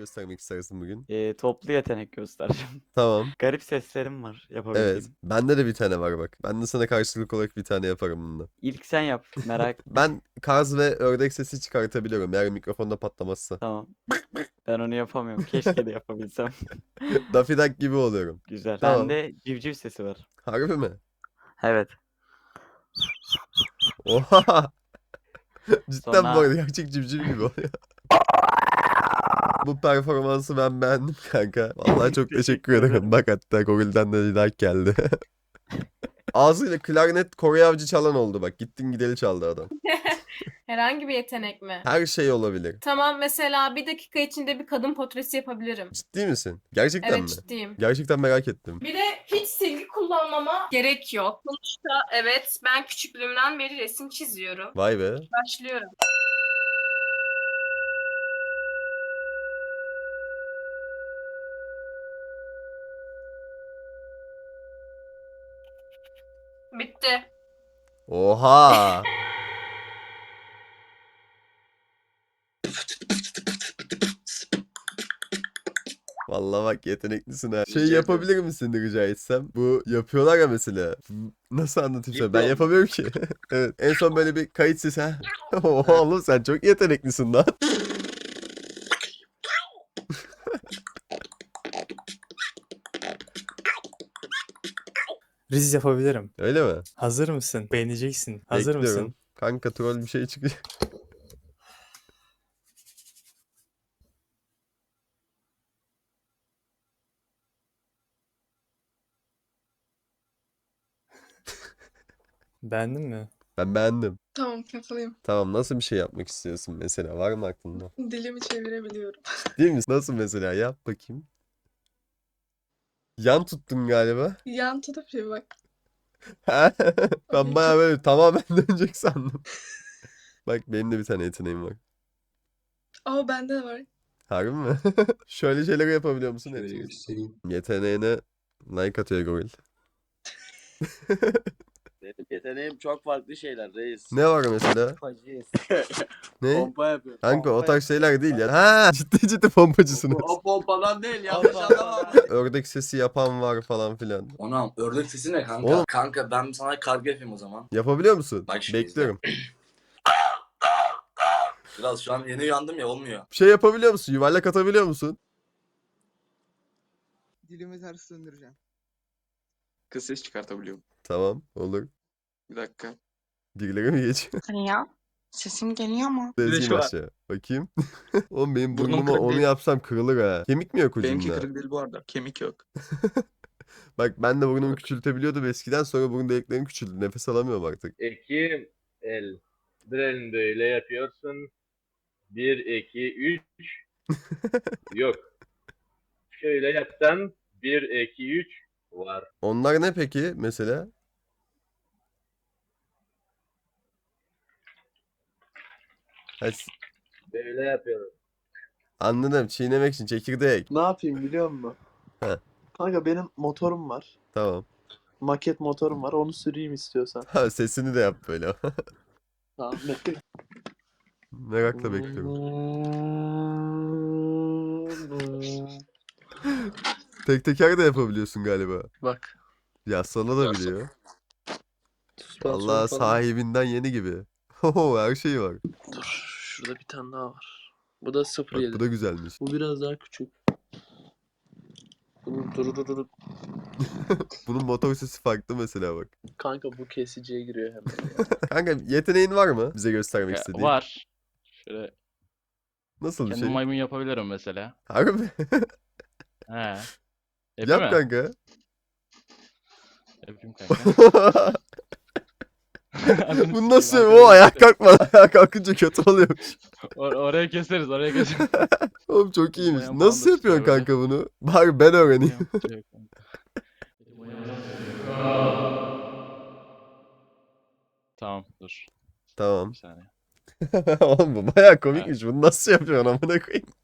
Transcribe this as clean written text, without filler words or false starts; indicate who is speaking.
Speaker 1: göstermek istersin bugün?
Speaker 2: Toplu yetenek göstereceğim.
Speaker 1: Tamam.
Speaker 2: Garip seslerim var
Speaker 1: Evet.
Speaker 2: yapabildiğim.
Speaker 1: Bende de bir tane var bak. Ben de sana karşılık olarak bir tane yaparım bununla.
Speaker 2: İlk sen yap. Merak.
Speaker 1: Ben kaz ve ördek sesi çıkartabiliyorum eğer mikrofonda patlamazsa.
Speaker 2: Tamam. Ben onu yapamıyorum. Keşke de yapabilsem.
Speaker 1: Daffy Duck gibi oluyorum.
Speaker 2: Güzel.
Speaker 1: Tamam.
Speaker 2: Bende civciv sesi var.
Speaker 1: Harbi mi?
Speaker 2: Evet.
Speaker 1: Oha! Cidden bu
Speaker 2: Sonra
Speaker 1: arada gerçek civciv gibi oluyor. Bu performansı ben beğendim kanka. Vallahi çok teşekkür
Speaker 2: Teşekkür
Speaker 1: ederim.
Speaker 2: ederim.
Speaker 1: Bak hatta Goril'den de like geldi. Ağzıyla klarnet Kore avcı çalan oldu bak. Gittin gideli çaldı adam.
Speaker 3: Herhangi bir yetenek mi?
Speaker 1: Her şey olabilir.
Speaker 3: Tamam, mesela bir dakika içinde bir kadın portresi yapabilirim.
Speaker 1: Ciddi misin? Gerçekten
Speaker 3: Evet,
Speaker 1: mi?
Speaker 3: ciddiyim.
Speaker 1: Gerçekten merak ettim.
Speaker 3: Bir de hiç silgi kullanmama gerek yok. Sonuçta evet, ben küçüklüğümden beri resim çiziyorum.
Speaker 1: Vay be.
Speaker 3: Başlıyorum. Bitti.
Speaker 1: Oha! Vallahi bak yeteneklisin ha. Şey
Speaker 4: Rica
Speaker 1: yapabilir misin rica etsem? Bu yapıyorlar ya mesela. Nasıl anlatayım sana? Ben
Speaker 4: Diplo.
Speaker 1: yapamıyorum ki. Evet. En son böyle bir kayıt sesi. Ha. Oha oğlum sen çok yeteneklisin lan.
Speaker 5: Riz yapabilirim.
Speaker 1: Öyle mi?
Speaker 5: Hazır mısın? Beğeneceksin. Hazır
Speaker 1: Bekliyorum.
Speaker 5: mısın?
Speaker 1: Kanka troll bir şey çıkıyor.
Speaker 5: Beğendin mi?
Speaker 1: Ben beğendim.
Speaker 6: Tamam, yapayım.
Speaker 1: Tamam nasıl bir şey yapmak istiyorsun mesela? Var mı aklında?
Speaker 6: Dilimi çevirebiliyorum.
Speaker 1: Değil mi? Nasıl mesela? Yap bakayım. Yan tuttun galiba.
Speaker 6: Yan tutup bir bak.
Speaker 1: Ben bayağı böyle tamamen dönecek sandım. Bak benim de bir tane yeteneğim var.
Speaker 6: Aa, bende de var.
Speaker 1: Harbi mi? Şöyle şeyler yapabiliyor musun?
Speaker 4: Şöyle
Speaker 1: Hepsini.
Speaker 4: göstereyim.
Speaker 1: Yeteneğine like atıyor Goril.
Speaker 7: Benim yeteneğim çok farklı şeyler reis.
Speaker 1: Ne var mesela?
Speaker 7: Pompacıyız.
Speaker 1: Ne?
Speaker 7: Pompa yapıyorum.
Speaker 1: Kanka o
Speaker 7: Pompa
Speaker 1: tarz şeyler değil ya. Ha, ciddi pompacısınız.
Speaker 7: O pompadan değil yanlış
Speaker 2: Pompa.
Speaker 7: anlama.
Speaker 1: Ördek sesi yapan var falan filan.
Speaker 4: Ona ördek sesi ne kanka?
Speaker 1: Oğlum.
Speaker 4: Kanka ben sana karga yapayım o zaman.
Speaker 1: Yapabiliyor musun?
Speaker 4: Bak şimdi
Speaker 1: Bekliyorum.
Speaker 4: Biraz şu an yeni uyandım ya, olmuyor.
Speaker 1: Şey yapabiliyor musun? Yuvarlak atabiliyor musun?
Speaker 8: Dilimi ters döndüreceğim.
Speaker 9: Kız ses çıkartabiliyorum.
Speaker 1: Tamam olur.
Speaker 9: Bir dakika.
Speaker 1: Birileri mi geçiyor?
Speaker 6: Hani ya? Sesim geliyor mu?
Speaker 9: de
Speaker 1: Ezeyim
Speaker 9: şu var.
Speaker 1: aşağı. Bakayım. Oğlum benim
Speaker 9: Burnum
Speaker 1: burnuma
Speaker 9: kırık
Speaker 1: onu
Speaker 9: değil.
Speaker 1: yapsam kırılır ha. Kemik mi yok
Speaker 9: Benimki
Speaker 1: ucunda?
Speaker 9: kırık değil bu arada. Kemik yok.
Speaker 1: Bak ben de burnumu
Speaker 9: Bak.
Speaker 1: küçültebiliyordum eskiden, sonra burun deliklerim küçüldü. Nefes alamıyorum artık.
Speaker 10: İki el. Bir elini böyle yapıyorsun. 1, 2, 3. Yok. Şöyle yapsan 1, 2, 3 var.
Speaker 1: Onlar ne peki mesela? Ha,
Speaker 10: Böyle yapıyorum.
Speaker 1: anladım. Çiğnemek için çekirdek.
Speaker 8: Ne yapayım biliyor musun?
Speaker 1: He.
Speaker 8: Kanka benim motorum var.
Speaker 1: Tamam.
Speaker 8: Maket motorum var. Onu süreyim istiyorsan.
Speaker 1: Ha, sesini de yap böyle.
Speaker 8: Tamam, bekle.
Speaker 1: Merakla bekliyorum. Tek teker de yapabiliyorsun galiba.
Speaker 8: Bak.
Speaker 1: Ya sana da biliyor.
Speaker 8: Süspansiyon
Speaker 1: Vallahi
Speaker 8: falan.
Speaker 1: sahibinden yeni gibi. Oho, her şey var.
Speaker 8: Dur. Şurada bir tane daha var. Bu da
Speaker 1: Bak
Speaker 8: 0.7.
Speaker 1: bu da güzelmiş.
Speaker 8: Bu biraz daha küçük. Bunun dur.
Speaker 1: Bunun motor sesi farklı mesela bak.
Speaker 8: Kanka bu kesiciye giriyor hemen.
Speaker 1: Kanka yeteneğin var mı bize göstermek istediğin?
Speaker 11: Var. Şöyle
Speaker 1: Nasıl bir
Speaker 11: kendim
Speaker 1: şey?
Speaker 11: maymun yapabilirim mesela.
Speaker 1: Harbi.
Speaker 11: He. Yapayım
Speaker 1: Yap
Speaker 11: mı?
Speaker 1: kanka.
Speaker 11: Yapayım kanka.
Speaker 1: Bu nasıl? O ayak kalkma. Ayak kalkınca kötü oluyormuş.
Speaker 11: Oraya keseriz, oraya keseriz.
Speaker 1: Oğlum çok iyiymiş.
Speaker 11: Bayan
Speaker 1: Nasıl
Speaker 11: bağlı
Speaker 1: yapıyorsun
Speaker 11: tutuyor böyle.
Speaker 1: kanka bunu? Bari ben öğreneyim.
Speaker 11: Tamam, dur.
Speaker 1: Tamam.
Speaker 11: Bir saniye.
Speaker 1: Oğlum bu bayağı komikmiş. Bunu nasıl yapıyorsun amına koyayım?